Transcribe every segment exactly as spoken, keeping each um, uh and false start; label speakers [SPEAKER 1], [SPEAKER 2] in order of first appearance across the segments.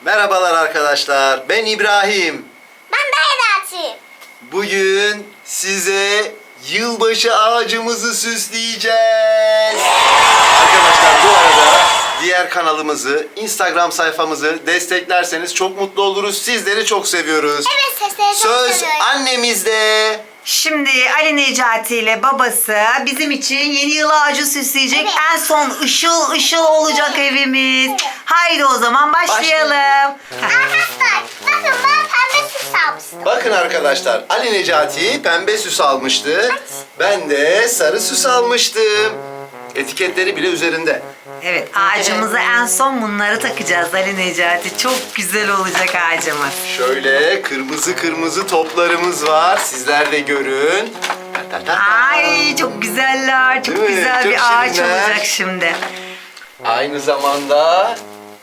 [SPEAKER 1] Merhabalar arkadaşlar, ben İbrahim.
[SPEAKER 2] Ben de Eda'cığım.
[SPEAKER 1] Bugün size yılbaşı ağacımızı süsleyeceğiz. Arkadaşlar bu arada diğer kanalımızı, Instagram sayfamızı desteklerseniz çok mutlu oluruz. Sizleri çok seviyoruz.
[SPEAKER 2] Evet, sesleri çok
[SPEAKER 1] Söz
[SPEAKER 2] seviyorum.
[SPEAKER 1] annemizde.
[SPEAKER 3] Şimdi Ali Necati ile babası bizim için yeni yıl ağacı süsleyecek.
[SPEAKER 2] Evet.
[SPEAKER 3] En son ışıl ışıl olacak evimiz.
[SPEAKER 2] Evet.
[SPEAKER 3] Haydi o zaman başlayalım.
[SPEAKER 2] Arkadaşlar, bakın ben pembe süs almıştım.
[SPEAKER 1] Bakın arkadaşlar, Ali Necati pembe süs almıştı. Ben de sarı süs almıştım. Etiketleri bile üzerinde.
[SPEAKER 3] Evet, ağacımıza en son bunları takacağız Ali Necati. Çok güzel olacak ağacımız.
[SPEAKER 1] Şöyle kırmızı kırmızı toplarımız var. Sizler de görün. Ta ta ta ta.
[SPEAKER 3] Ay çok güzeller. Çok
[SPEAKER 1] Değil mi?
[SPEAKER 3] güzel
[SPEAKER 1] Çok
[SPEAKER 3] bir ağaç
[SPEAKER 1] şirinler.
[SPEAKER 3] olacak şimdi.
[SPEAKER 1] Aynı zamanda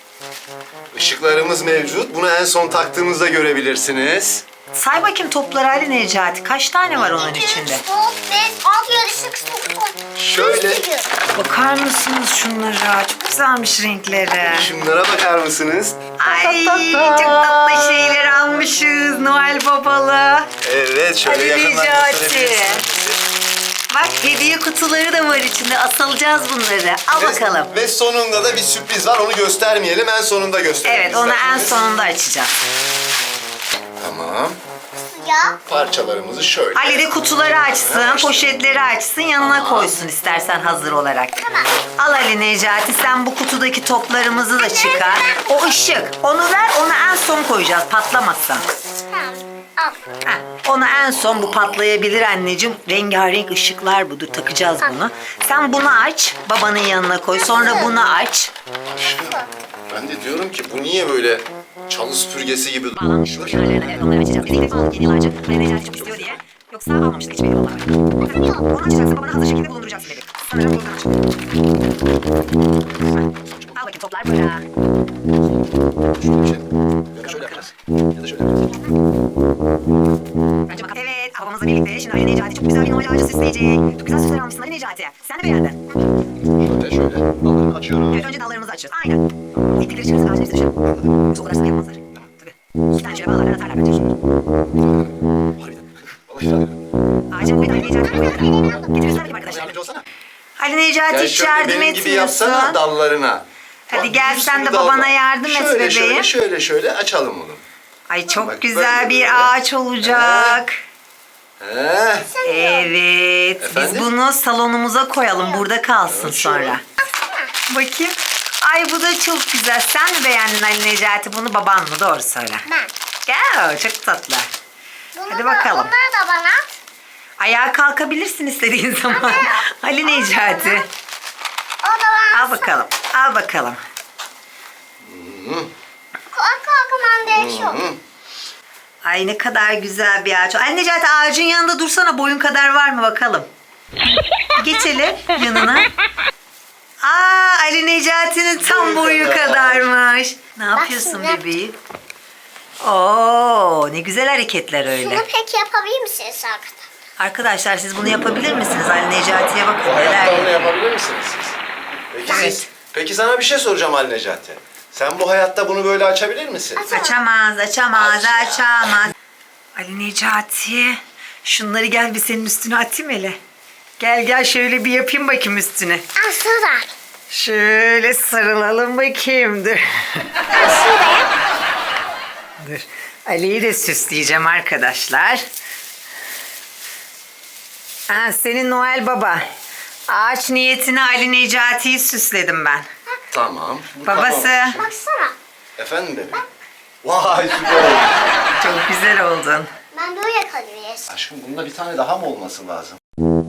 [SPEAKER 1] ışıklarımız mevcut. Bunu en son taktığımızda görebilirsiniz.
[SPEAKER 3] Say bakayım topları Ali Necati. Kaç tane var onun içinde?
[SPEAKER 2] dört, beş, altı, yedi, sekiz, dokuz.
[SPEAKER 1] Şöyle.
[SPEAKER 3] Bakar mısınız şunlara? Çok güzelmiş renkleri.
[SPEAKER 1] Şunlara bakar mısınız?
[SPEAKER 3] Ay çok tatlı şeyler almışız Noel babalı.
[SPEAKER 1] Evet, şöyle
[SPEAKER 3] Ali
[SPEAKER 1] yakından
[SPEAKER 3] Necati.
[SPEAKER 1] gösterebilirsiniz.
[SPEAKER 3] Bak hediye kutuları da var içinde. Asılacağız bunları. Al
[SPEAKER 1] Ve-
[SPEAKER 3] bakalım.
[SPEAKER 1] Ve sonunda da bir sürpriz var. Onu göstermeyelim. En sonunda gösterelim.
[SPEAKER 3] Evet onu en
[SPEAKER 1] isterseniz.
[SPEAKER 3] sonunda açacağız.
[SPEAKER 1] Tamam.
[SPEAKER 2] Ya.
[SPEAKER 1] Parçalarımızı şöyle.
[SPEAKER 3] Ali de kutuları açsın, poşetleri açsın, yanına koysun istersen hazır olarak. Al Ali Necati sen bu kutudaki toplarımızı da çıkar. O ışık. Onu ver, onu en son koyacağız patlamazsa.
[SPEAKER 2] Tamam. Al.
[SPEAKER 3] Heh, onu en son bu patlayabilir anneciğim. Rengarenk ışıklar budur. Takacağız bunu. Sen bunu aç. Babanın yanına koy. Sonra bunu aç.
[SPEAKER 1] Ben de diyorum ki bu niye böyle çalı süpürgesi gibi duruyor?
[SPEAKER 3] Bağlanmış bu kenarlarına. Evet onları açacağız. Biz ilk defa aldık yeni yıl ağacı. Hani Necati çok istiyor diye. Yoksa almamıştık hiçbir yıl olarak. Onu açacaksın. Babana hazır şekilde bulunduracaksın bebek. Sanırım buradan aç. Al bakayım toplar burada.
[SPEAKER 1] Şöyle yaparız. Ya da şöyle yaparız.
[SPEAKER 3] Bence bakalım. Evet babamızla birlikte şimdi Ali Necati çok güzel bir Noel ağacı süsleyecek. Çok güzel süsler almışsın Ali Necati. Sen de beğendin.
[SPEAKER 1] Şöyle şöyle. Dallarını açıyorum.
[SPEAKER 3] Evet önce dallarımızı açıyoruz. Aynen. İplikleri çıkarırız ağacın üstüne. Yoksa o kadar sıkı yapmazlar. Tabii. İki tane şöyle bağlarlar atarlar bence.
[SPEAKER 1] Harbiden. Vallahi güzel.
[SPEAKER 3] Ağacın ve Ali Necati böyle. Getiriyorsun bakayım arkadaşlar.
[SPEAKER 1] Yardımcı olsana.
[SPEAKER 3] Ali Necati
[SPEAKER 1] Gel
[SPEAKER 3] hiç
[SPEAKER 1] şöyle
[SPEAKER 3] yardım
[SPEAKER 1] benim gibi yapsana
[SPEAKER 3] etmiyorsun.
[SPEAKER 1] dallarına.
[SPEAKER 3] Hadi
[SPEAKER 1] Bak,
[SPEAKER 3] gel
[SPEAKER 1] bir
[SPEAKER 3] sen
[SPEAKER 1] sürü
[SPEAKER 3] de
[SPEAKER 1] dal
[SPEAKER 3] babana
[SPEAKER 1] var.
[SPEAKER 3] yardım et
[SPEAKER 1] şöyle,
[SPEAKER 3] bebeğim.
[SPEAKER 1] Şöyle şöyle şöyle açalım onu.
[SPEAKER 3] Ay çok
[SPEAKER 1] Bak,
[SPEAKER 3] güzel
[SPEAKER 1] böyle,
[SPEAKER 3] bir
[SPEAKER 1] böyle.
[SPEAKER 3] ağaç olacak.
[SPEAKER 1] He.
[SPEAKER 3] Evet.
[SPEAKER 1] Efendim?
[SPEAKER 3] Biz bunu salonumuza koyalım. Burada kalsın
[SPEAKER 1] Evet, şöyle.
[SPEAKER 3] sonra. Bakayım. Ay bu da çok güzel. Sen mi beğendin Ali Necati bunu baban mı? Doğru söyle.
[SPEAKER 2] Ben.
[SPEAKER 3] Gel çok tatlı.
[SPEAKER 2] Bunu
[SPEAKER 3] Hadi
[SPEAKER 2] da,
[SPEAKER 3] bakalım.
[SPEAKER 2] Bunları da bana.
[SPEAKER 3] Ayağa kalkabilirsin istediğin zaman. Ali Necati.
[SPEAKER 2] O da bana.
[SPEAKER 3] Al bakalım. Al bakalım.
[SPEAKER 2] Kalk kalkman gerekiyor.
[SPEAKER 1] Hı.
[SPEAKER 3] Ay ne kadar güzel bir ağaç. Ali Necati ağacın yanında dursana. Boyun kadar var mı bakalım. Geçelim yanına. Aa Ali Necati'nin tam
[SPEAKER 1] Boyu
[SPEAKER 3] boyu
[SPEAKER 1] kadar.
[SPEAKER 3] kadarmış. Ne yapıyorsun
[SPEAKER 2] şimdi.
[SPEAKER 3] bebeğim? Oo ne güzel hareketler öyle.
[SPEAKER 2] Şunu peki yapabilir misiniz arkadaşlar?
[SPEAKER 3] Arkadaşlar siz bunu yapabilir misiniz? Ali Necati'ye bakın
[SPEAKER 1] Bu hayatta onu
[SPEAKER 3] neler.
[SPEAKER 1] yapabilir misiniz siz? Peki
[SPEAKER 3] Evet.
[SPEAKER 1] siz? Peki sana bir şey soracağım Ali Necati. Sen bu hayatta bunu böyle açabilir misin?
[SPEAKER 3] Açamaz, açamaz,
[SPEAKER 1] Aç ya.
[SPEAKER 3] açamaz. Ali Necati, şunları gel bir senin üstüne atayım hele. Gel gel şöyle bir yapayım bakayım üstüne.
[SPEAKER 2] Aslında.
[SPEAKER 3] Şöyle sarılalım bakayım dur.
[SPEAKER 2] Aslında.
[SPEAKER 3] Dur. Ali'yi de süsleyeceğim arkadaşlar. Ha, senin Noel Baba. Ağaç niyetine Ali Necati'yi süsledim ben.
[SPEAKER 1] Tamam. Bu
[SPEAKER 3] Babası.
[SPEAKER 1] tamam.
[SPEAKER 2] Baksana.
[SPEAKER 1] Efendim bebeğim? Vay süper oldu.
[SPEAKER 3] Çok güzel oldun.
[SPEAKER 2] Ben böyle kalıyorum.
[SPEAKER 1] Aşkım bunda bir tane daha mı olması lazım?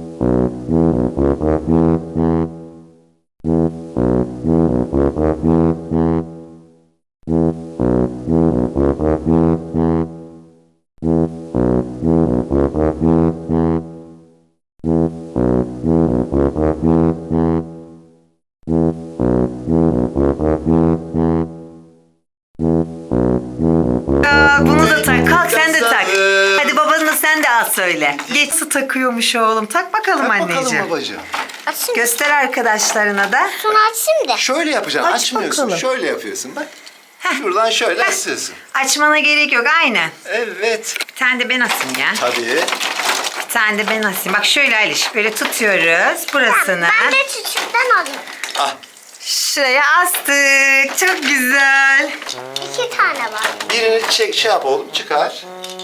[SPEAKER 3] Aa, bunu da tak. Kalk sen de tak.
[SPEAKER 1] Taktım.
[SPEAKER 3] Hadi babanla sen de al söyle. Geç su takıyormuş oğlum. Tak bakalım
[SPEAKER 1] Tak
[SPEAKER 3] anneciğim.
[SPEAKER 1] bakalım babacığım.
[SPEAKER 2] Açayım.
[SPEAKER 3] Göster arkadaşlarına da.
[SPEAKER 2] Şunu açayım da.
[SPEAKER 1] Şöyle yapacaksın.
[SPEAKER 3] Aç
[SPEAKER 1] Açmıyorsun.
[SPEAKER 3] bakalım.
[SPEAKER 1] Şöyle yapıyorsun bak. Şuradan şöyle asıyorsun.
[SPEAKER 3] Açmana gerek yok aynen.
[SPEAKER 1] Evet.
[SPEAKER 3] Bir tane de ben asayım ya.
[SPEAKER 1] Tabii.
[SPEAKER 3] Bir tane de ben asayım. Bak şöyle Aliş böyle tutuyoruz burasını.
[SPEAKER 2] Ben de küçükten alayım.
[SPEAKER 1] Ah.
[SPEAKER 3] Şuraya astık. Çok güzel.
[SPEAKER 2] İki tane var.
[SPEAKER 1] Birini çek, şey yap oğlum, çıkar.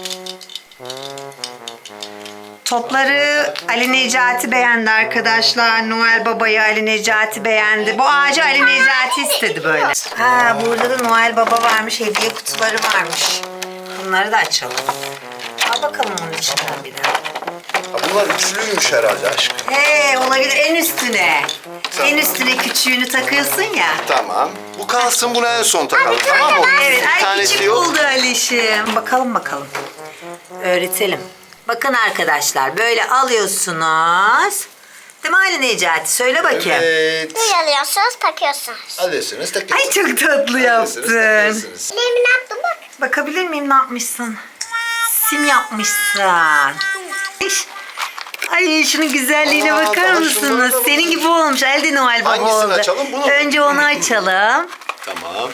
[SPEAKER 3] Topları Ali Necati beğendi arkadaşlar. Noel Baba'yı Ali Necati beğendi. Bu ağacı Ali Necati istedi böyle. Ha burada da Noel Baba varmış. Hediye kutuları varmış. Bunları da açalım. Al bakalım onun içinden bir de.
[SPEAKER 1] Ha, bunlar üçlüymüş herhalde aşkım.
[SPEAKER 3] He olabilir en üstüne.
[SPEAKER 1] Tamam.
[SPEAKER 3] En üstüne küçüğünü takıyorsun ya.
[SPEAKER 1] Tamam. Bu kalsın, buna en son takalım, tamam mı?
[SPEAKER 3] Evet,
[SPEAKER 1] Bir
[SPEAKER 3] ay
[SPEAKER 1] tanesi
[SPEAKER 3] küçük
[SPEAKER 1] yok.
[SPEAKER 3] buldu Alişim. Bakalım bakalım. Öğretelim. Bakın arkadaşlar böyle alıyorsunuz. Değil mi Ali Necati? Söyle bakayım.
[SPEAKER 1] Evet.
[SPEAKER 2] Uyalıyorsunuz, takıyorsunuz.
[SPEAKER 1] Alıyorsunuz, takıyorsunuz.
[SPEAKER 3] Ay çok tatlı
[SPEAKER 1] Alıyorsunuz,
[SPEAKER 3] yaptın.
[SPEAKER 1] takıyorsunuz.
[SPEAKER 2] Elimi ne yaptım bak.
[SPEAKER 3] Bakabilir miyim ne yapmışsın? Sim yapmışsın. İş. Ay şunun güzelliğine
[SPEAKER 1] Aa,
[SPEAKER 3] bakar
[SPEAKER 1] daha şunlar
[SPEAKER 3] mısınız?
[SPEAKER 1] da var.
[SPEAKER 3] Senin gibi olmuş. Elde Noel Baba
[SPEAKER 1] Hangisini
[SPEAKER 3] oldu.
[SPEAKER 1] açalım, bunu mu?
[SPEAKER 3] Önce onu açalım.
[SPEAKER 1] Tamam.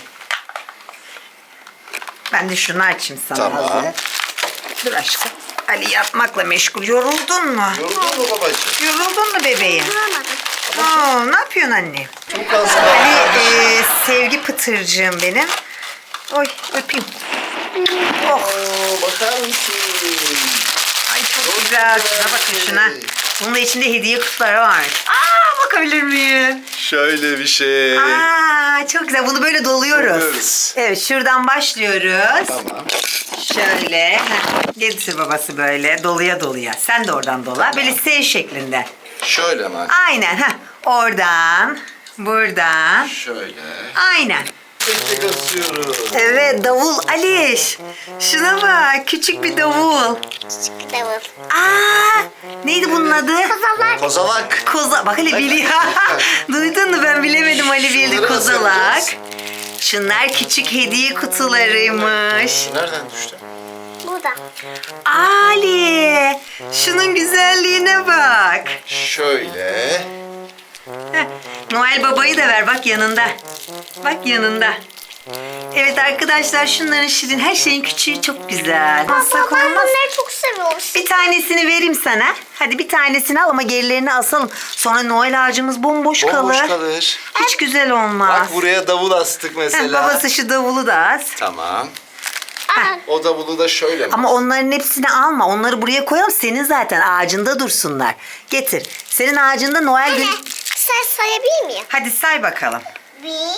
[SPEAKER 3] Ben de şunu açayım sana.
[SPEAKER 1] Tamam.
[SPEAKER 3] hazır. Dur aşkım. Ali yapmakla meşgul. Yoruldun mu?
[SPEAKER 1] Yoruldun mu babacığım?
[SPEAKER 3] Yoruldun mu bebeğim?
[SPEAKER 2] Duramadım.
[SPEAKER 3] Aa, ne yapıyorsun anne?
[SPEAKER 1] Bu kalsın.
[SPEAKER 3] Ali e, sevgi pıtırcığım benim. Oy öpeyim. Oh.
[SPEAKER 1] Oo, bakar mısın?
[SPEAKER 3] Ay çok güzel. Şuna bakın şuna. Bunun da içinde hediye kutuları var. Aa bakabilir miyim?
[SPEAKER 1] Şöyle bir şey.
[SPEAKER 3] Aa çok güzel. Bunu böyle doluyoruz.
[SPEAKER 1] Doluyoruz.
[SPEAKER 3] Evet şuradan başlıyoruz.
[SPEAKER 1] Tamam.
[SPEAKER 3] Şöyle. Heh, getir babası böyle doluya doluya. Sen de oradan dola. Böyle S şeklinde.
[SPEAKER 1] Şöyle mi?
[SPEAKER 3] Aynen. Heh. Oradan. Buradan.
[SPEAKER 1] Şöyle.
[SPEAKER 3] Aynen.
[SPEAKER 1] Tek tek asıyoruz.
[SPEAKER 3] Evet davul Aliş. Şuna bak küçük bir davul.
[SPEAKER 2] Davul.
[SPEAKER 3] Aa neydi bunun adı?
[SPEAKER 2] Kozalak.
[SPEAKER 1] Kozalak.
[SPEAKER 3] Koza. Bak Ali biliyor. Duydun mu ben bilemedim Ali bildi
[SPEAKER 1] Şunları nasıl
[SPEAKER 3] kozalak.
[SPEAKER 1] yapacağız?
[SPEAKER 3] Şunlar küçük hediye kutularıymış.
[SPEAKER 1] Nereden düştü?
[SPEAKER 2] Burada.
[SPEAKER 3] Ali şunun güzelliğine bak.
[SPEAKER 1] Şöyle.
[SPEAKER 3] Heh, Noel Baba'yı da ver bak yanında. Bak yanında. Evet arkadaşlar şunların şirin her şeyin küçüğü çok güzel. Alsak
[SPEAKER 2] Baba ben
[SPEAKER 3] olmaz.
[SPEAKER 2] bunları çok seviyorum.
[SPEAKER 3] Bir tanesini vereyim sana. Hadi bir tanesini al ama gerilerini asalım. Sonra Noel ağacımız bomboş,
[SPEAKER 1] Bomboş
[SPEAKER 3] kalır.
[SPEAKER 1] kalır.
[SPEAKER 3] Hiç güzel olmaz.
[SPEAKER 1] Bak buraya davul astık
[SPEAKER 3] Heh,
[SPEAKER 1] mesela.
[SPEAKER 3] babası şu davulu da az.
[SPEAKER 1] Tamam.
[SPEAKER 2] Aa,
[SPEAKER 1] O davulu da şöyle mi?
[SPEAKER 3] Ama onların hepsini alma. Onları buraya koyalım. Senin zaten ağacında dursunlar. Getir. Senin ağacında Noel günü...
[SPEAKER 2] anne, sen sayabilir miyim?
[SPEAKER 3] Hadi say bakalım.
[SPEAKER 2] Bir,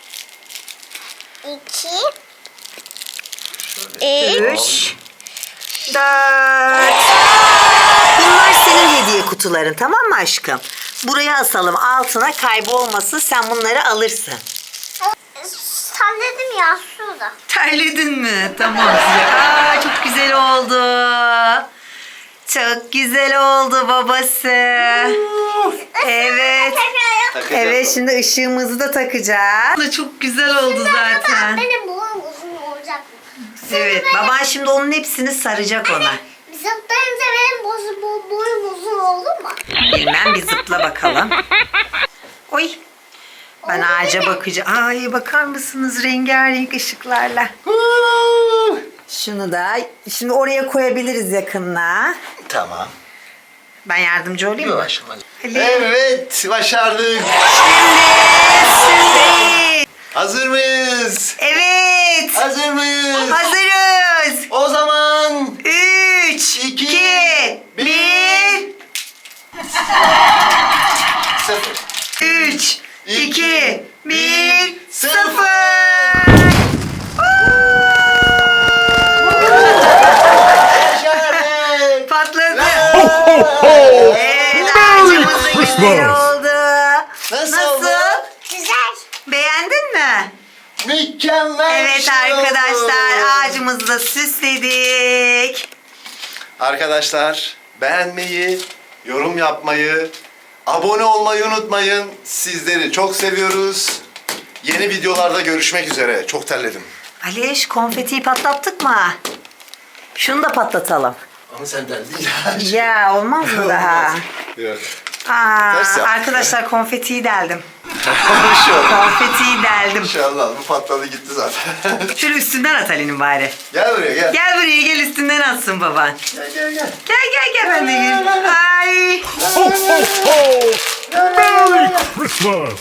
[SPEAKER 2] iki, üç,
[SPEAKER 3] Üç, dört. Bunlar senin hediye kutuların tamam mı aşkım? Buraya asalım altına kaybolmasın. Sen bunları alırsın.
[SPEAKER 2] salladım ya şurada.
[SPEAKER 3] Terledin mi? Tamam. Aa, çok güzel oldu. Çok güzel oldu babası. Evet.
[SPEAKER 1] Takacağız.
[SPEAKER 3] Evet şimdi ışığımızı da takacağız. Bu da çok güzel oldu zaten.
[SPEAKER 2] Benim boyum uzun olacak mı?
[SPEAKER 3] Evet baban şimdi onun hepsini saracak ona.
[SPEAKER 2] Zıplayınca benim bozu, bo, boyum uzun oldu mu?
[SPEAKER 3] Bilmem bir zıpla bakalım. Oy. Ben
[SPEAKER 2] Oldu
[SPEAKER 3] ağaca
[SPEAKER 2] değil mi?
[SPEAKER 3] bakacağım. Ay bakar mısınız rengarenk ışıklarla.
[SPEAKER 1] Huu.
[SPEAKER 3] Şunu da şimdi oraya koyabiliriz yakınına.
[SPEAKER 1] Tamam.
[SPEAKER 3] Ben yardımcı olayım mı?
[SPEAKER 1] Yavaş.
[SPEAKER 3] Ali.
[SPEAKER 1] Evet, başardık.
[SPEAKER 3] Şimdi, şimdi.
[SPEAKER 1] Hazır mıyız?
[SPEAKER 3] Evet.
[SPEAKER 1] Hazır mıyız?
[SPEAKER 3] Hazırız.
[SPEAKER 1] O zaman
[SPEAKER 3] Üç,
[SPEAKER 1] İki,
[SPEAKER 3] iki,
[SPEAKER 1] bir.
[SPEAKER 3] bir.
[SPEAKER 1] sıfır.
[SPEAKER 3] Üç,
[SPEAKER 1] İki,
[SPEAKER 3] iki, bir,
[SPEAKER 1] bir,
[SPEAKER 3] sıfır.
[SPEAKER 1] Başardık.
[SPEAKER 3] Patladı.
[SPEAKER 1] Evet.
[SPEAKER 3] Evet, ağacımız da güzel oldu.
[SPEAKER 1] Nasıl
[SPEAKER 3] Nasıl?
[SPEAKER 1] oldu?
[SPEAKER 2] Güzel.
[SPEAKER 3] Beğendin mi?
[SPEAKER 1] Mükemmel.
[SPEAKER 3] Evet
[SPEAKER 1] bir şey oldu.
[SPEAKER 3] arkadaşlar ağacımızı da süsledik.
[SPEAKER 1] Arkadaşlar beğenmeyi, yorum yapmayı, abone olmayı unutmayın. Sizleri çok seviyoruz. Yeni videolarda görüşmek üzere. Çok terledim.
[SPEAKER 3] Aliş konfetiyi patlattık mı? Şunu da patlatalım.
[SPEAKER 1] Ama sen derdin ya.
[SPEAKER 3] Ya olmaz mı daha?
[SPEAKER 1] Yok.
[SPEAKER 3] Aa,
[SPEAKER 1] Ters yaptık
[SPEAKER 3] arkadaşlar konfetiyi deldim.
[SPEAKER 1] Bir şey oldu.
[SPEAKER 3] Konfetiyi deldim.
[SPEAKER 1] İnşallah bu patladı gitti zaten.
[SPEAKER 3] Şöyle üstünden at Ali'nin bari.
[SPEAKER 1] Gel buraya gel.
[SPEAKER 3] Gel buraya gel üstünden atsın baban.
[SPEAKER 1] Gel gel gel.
[SPEAKER 3] Gel gel gel ben de gel. Ay.
[SPEAKER 4] Ho, ho, ho! Merry Christmas!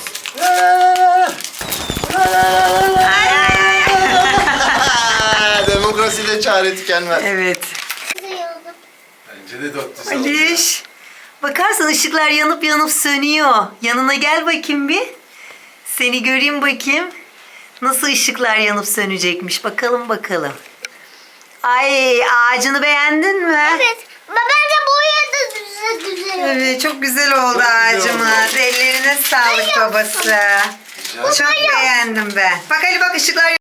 [SPEAKER 3] Ay, ay, ay.
[SPEAKER 1] Demokrasiyle çare tükenmez.
[SPEAKER 3] Evet.
[SPEAKER 2] Güzel oldu.
[SPEAKER 1] Bence de dört düz oldu.
[SPEAKER 3] Aliş. Bakarsan ışıklar yanıp yanıp sönüyor. Yanına gel bakayım bir. Seni göreyim bakayım. Nasıl ışıklar yanıp sönecekmiş. Bakalım bakalım. Ay ağacını beğendin mi?
[SPEAKER 2] Evet. Bence boya da güzel güzel oldu.
[SPEAKER 3] Evet çok güzel oldu
[SPEAKER 1] Çok güzel
[SPEAKER 3] ağacımız. Ellerine sağlık babası. Çok beğendim ben. Bak Ali bak ışıklar